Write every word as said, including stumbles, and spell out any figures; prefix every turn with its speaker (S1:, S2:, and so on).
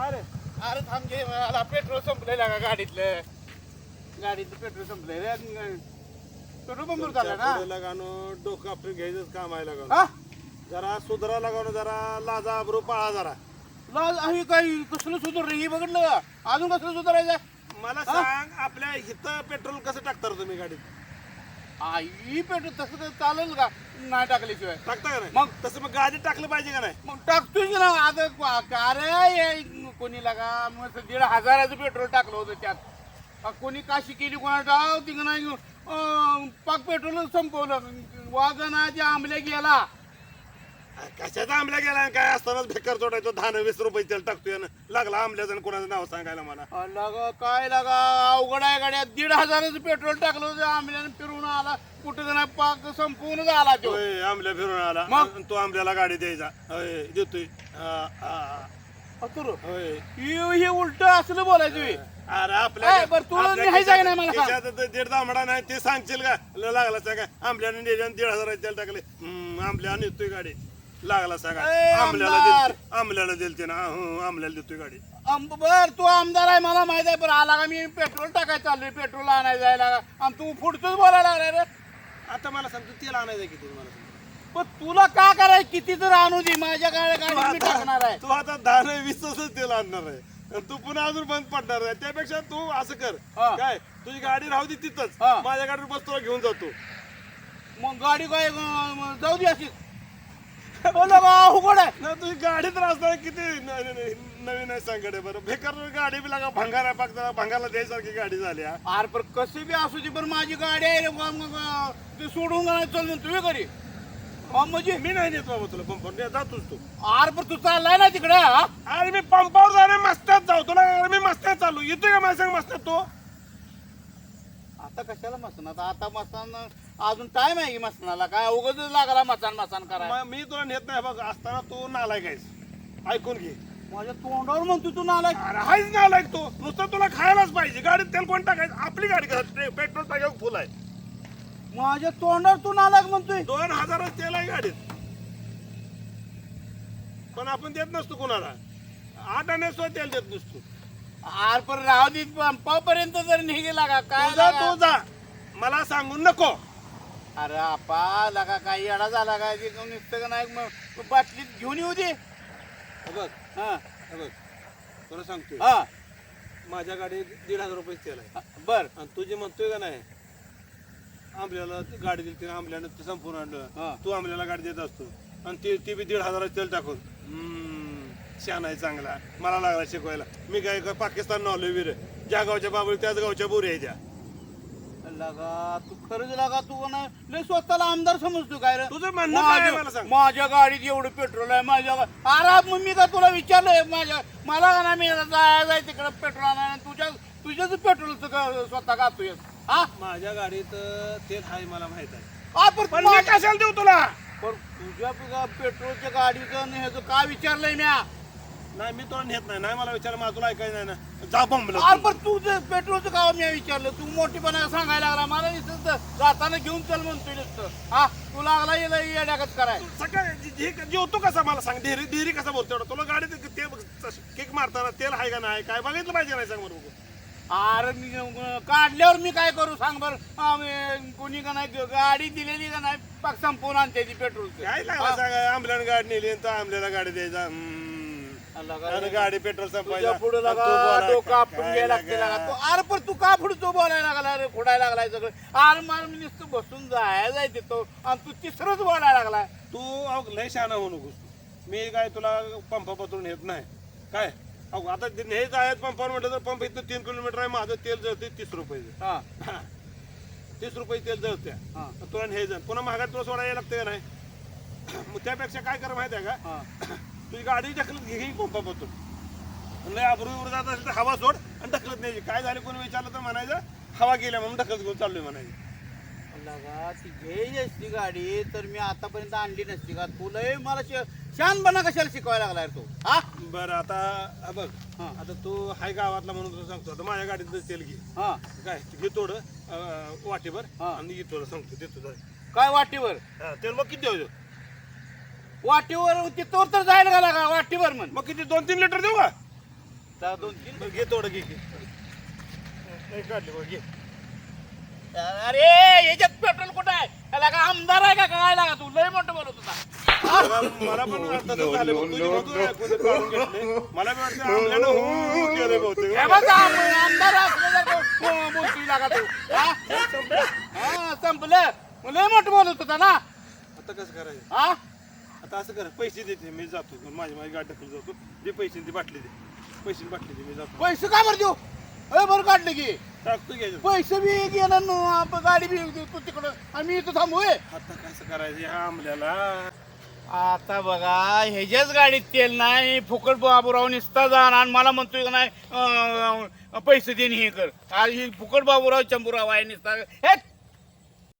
S1: अरे
S2: अरे थांब घे मला पेट्रोल संपलंय का गाडीतलं गाडीतलं पेट्रोल संपलंय रे पेट्रोल पंप झालं ना
S1: लगानो डोकं आपलं घ्यायचंच काम आहे
S2: हा
S1: लगानो जरा सुधरा लगानो जरा लाजा अब्रू पाळा जरा
S2: लाज आहे काही कसलं सुधार रे हे बघितलं का? अजून कसलं सुधारायचं
S1: मला सांग आपल्या इथं पेट्रोल कसं टाकता रे तुम्ही गाडीत
S2: आई पेट्रोल तसं तर चालेल का नाही टाकल्याशिवाय
S1: टाकता का नाही
S2: मग?
S1: तसं मग गाडीत टाकलं पाहिजे का नाही
S2: मग टाकतोय की ना आता का- का रे कोणी लागा मग दीड हजाराचं पेट्रोल टाकलं होतं त्यात अ, कोणी काशी केली कोणा डाव तिकडं नाही अं, पाक पेट्रोल संपवलं वाजनाच्या आंबल्या गेला
S1: कशाचा आंबल्या गेला आणि काय असतानाच बेकार चोटायचो दहा न वीस रुपये तेल टाकतोय ना लागला आंबल्याचं आणि कोणाचं नाव सांगायला मला
S2: अ, लागा काय लागा अवघड आहे गाड्या दीड हजाराचं पेट्रोल टाकलं होतं आंबल्यानं फिरून आला कुठं नाही पाक संपवूनच आला तो
S1: होय, आंबल्या फिरून आला
S2: मग?
S1: आणि तो आंबल्याला गाडी द्यायचा होय, देतोय हा, हा.
S2: अतुर
S1: होय
S2: हे उलट असलं बोलायचं हे.
S1: अरे आपल्या
S2: ए, बरं, तू
S1: आपल्या
S2: लिहायचं आहे ना
S1: खिशात-
S2: मला सांग.
S1: खिशात तर दीड दामडा नाही ते सांगशील का ल- लागला सांगा आंबल्याने नेल्याने दीड हजार तेल टाकले हम्म, आंबल्या नेतोय गाडी लागला सांगा
S2: ए,
S1: आंबल्याला
S2: आमदार.
S1: दिल आंबल्याला दिलते ना हो आंबल्याला देतोय गाडी
S2: आम- बर तू आमदार आहे मला माहित आहे पण आला का मी पेट्रोल टाकायला चाललोय पेट्रोल आणायला जायला का आणि तू पुढचंच बोलायला लागलाय रे
S1: आता मला सांगतो तेल आणायचं किती मला सांग.
S2: पण तुला का करायचं किती तर आणू दे माझ्या गाड्या
S1: तू
S2: गाडीत मी टाकणार
S1: आता
S2: आहे
S1: तू आता दहा नाही वीस तेल आणणार आहे आणि तू पुन्हा अजून बंद पडणार आहे त्यापेक्षा तू असं कर
S2: हा.
S1: काय तुझी गाडी राहू दे तिथंच
S2: हा.
S1: माझ्या गाडीवर बस तुला घेऊन जातो
S2: मग गाडी काय अं, जाऊ दे अशीच बोला बा उघड आहे
S1: ना तुझी गाडी तर असताना किती न- न- न- नवीन आहे सांगडे बरं बेकार गाडी बी लागा भंगार आहे पाक भंगारला द्यायसारखी गाडी झाली हा.
S2: आर पर कसे बी असू दे पण माझी गाडी आहे रे बा, मग अं, ते सोडून नाही चल म्हणून तुम्ही घरी हा, म्हणजे
S1: मी नाही देत बाबा तुला पंपावर जातोच तू
S2: आर पर तू चाललाय ना तिकडे हा
S1: अरे मी पंपावर जाणे मस्त्यात जाऊ तुला अरे मी मस्त्यात चालू येतोय का माझ्या संग मस्त्यात तो
S2: आता कशाला मसन आता आता मसान अजून टाइम आहे की मसनाला काय उगाच लागला मसान मसान करायला
S1: म- मी तुला नेत नाही बघ असताना तू नालायक आहेस ऐकून घे
S2: माझ्या तोंडावर म्हणतो तू नाला
S1: अरे हायच नालायक तो नुसतं तुला खायलाच पाहिजे गाडीत तेल कोण टाकायचं आपली गाडी कसं पेट्रोल टाकायला फुल आहे
S2: माझ्या तोंडावर तू नालायक म्हणतोय
S1: दोन हजारच तेल आहे गाडीत पण आपण देत नसतो कोणाला आठ आणे सुद्धा तेल देत नसतो
S2: आर पर राहू दे पंपापर्यंत जर निघेला का काय
S1: तुझा
S2: लागा?
S1: तू जा मला सांगून नको
S2: अरे आपा लागा काही येडा झाला काय ते कोण निघतं का नाही मग बाटलीत घेऊन येऊ दे
S1: हे बघ
S2: हा
S1: हे बघ तुला सांगतोय
S2: हा
S1: माझ्या गाडीत दीड हजार रुपये तेल आहे
S2: बर
S1: आणि तू जे म्हणतोय का नाही आंबल्याला ती गाडी दिली आंबल्यानं ते संपूर्ण
S2: हा.
S1: आणलं तू आंबल्याला गाडी देत असतो आणि ते ती बी दीड हजाराचं तेल टाकून हम्म, शान आहे चांगला मला लागला शिकवायला मी काय का पाकिस्तान नवलो वीर ज्या गावच्या बाबळी त्याच गावच्या बोरी आहे त्या
S2: लगा तू खरंच लागा तू का नाही लय स्वतःला आमदार समजतो काय रे
S1: तुझं म्हणणं काय आहे मला
S2: माझ्या
S1: सांग
S2: माझ्या गाडीत एवढं पेट्रोल आहे माझ्या गा- अरे मग मी का तुला विचारलंय माझ्या मला का नाही मी जाय जाय तिकडे पेट्रोल आणायला तुझ्या तुझ्याच पेट्रोलचं का स्वतः गातोय हा
S1: माझ्या गाडीत तेल आहे मला माहित आहे
S2: आ, पण
S1: पण मी
S2: माझ्या-
S1: कशाला देऊ तुला
S2: पण तुझ्या तुझ्या पेट्रोलच्या गाडीचं आणि ह्याचं काय विचारलंय म्या
S1: नाही मी तुला नेत नाही नाही मला विचार मला तुला ऐकायचं नाही ना जा बंबलं
S2: अरे पण तू जे पेट्रोलचं का मी विचारलं तू मोठीपणा सांगायला लागला मला नुसतं जाताना घेऊन चल म्हणतोय नुसतं हा तू लागला येला येड्यागत कराय
S1: सकाळी जेवतो कसा मला सांग डेरी डेरी कसा बोलतो एवढा? तुला गाडीत ते किक मारताना तेल आहे का नाही काय बघितलं पाहिजे नाही सांग बरोबर
S2: अरे मी अं, काढल्यावर मी काय करू सांग बरं आम्ही कोणी का नाही गाडी दिलेली का नाही पाक संपवून आणते ती पेट्रोलचं
S1: काय लागला सांग आंबल्यानं गाडी नेली आणि तो आंबल्याला गाडी द्यायचा हम्म. आणि गाडी पेट्रोल संपायला
S2: तुझ्या पुढे
S1: आणि तू
S2: लागा
S1: बोलाय,
S2: डोकं आपण
S1: काय
S2: घ्यायला लागते
S1: लागा?
S2: लागा तू अरे पण तू का पुढचं बोलायला लागला रे खोडायला लागलाय सगळं अरे मला मी नुसतं बसून जायला जायचे तो आणि तू तिसरंच बोलायला लागलाय
S1: तू अहो, लय शहाणा होऊ नकोस मी काय तुला पंप पत्रून येत नाही काय अहो आता ते हेच आहेत पंपावर म्हटलं तर पंप इथं तीन किलोमीटर आहे माझं तेल जळते तीस रुपये
S2: हा
S1: तीस रुपये तेल जळते
S2: हा
S1: तुला हे जण पुन्हा महागात तुला सोडायला लागतं का नाही मग त्यापेक्षा काय कर माहिती आहे का
S2: हा
S1: तुझी गाडी ढकलत घे घे पंपापासून लय अब्रूवर जात असेल तर हवा सोड आणि ढकलत नाही काय झालं कोणी विचारलं तर म्हणायचं हवा गेल्या म्हणून ढकलत घेऊन चाललोय म्हणायचं
S2: लगा ती घ्यायची असती गाडी तर मी आतापर्यंत आणली नसती का तुला मला शानपणा कशाला शिकवायला लागलाय तू हा
S1: बरं आता हा बघ
S2: हा.
S1: आता तू हाय गावातला म्हणून तुला सांगतो आता माझ्या गाडीत तेल घे
S2: हा
S1: काय घे थोडं अं, वाटीभर
S2: हा.
S1: आणि घे थोडं सांगतो देतो जरा.
S2: काय वाटीवर
S1: हा, तेल मग किती द्यायचं
S2: वाटीवर तिथवर तर जायला का लागा वाटीवर म्हण
S1: मग किती दोन तीन लिटर देऊ का
S2: जा दोन तीन
S1: बरं, घे थोडं घे घे नाही काढले बघ घे
S2: अरे याच्यात पेट्रोल कुठं आहे त्याला का आमदार आहे का काय लागा तू लय मोठं बोलत होता
S1: मला मला पण तसं झालं बघ, तुझी मधून ऐकून ते काढून घेतले. मला बी वाटतं आमल्यानं हो केलं बहुतेक.
S2: हे बघ, आम- आमदार असलं तर तो बोलतोय लागा तू हा? हा, संपलं मग लय मोठं बोलत होता ना
S1: आता कसं करायचं
S2: हा
S1: आता असं कर पैसे देते मी जातो माझी माझी गाडी टाकून जातो दे पैसे ती बाटली दे पैसे बाटली दे मी जातो
S2: पैसे का बरं देऊ अरे बरं काढले की
S1: टाकतो घ्यायचं
S2: पैसे बी गेलं न, आपण गाडी बी तू तिकडं आणि मी इथं थांबू होय.
S1: आता कसं करायचं ह्या आमल्याला
S2: आता बघा ह्याच्याच गाडीत तेल नाही फुकट बाबूराव निसता जाणार आणि मला म्हणतोय का नाही अं, पैसे देणे हे कर आज ही फुकट बाबूराव चंबूराव आहे निसता हे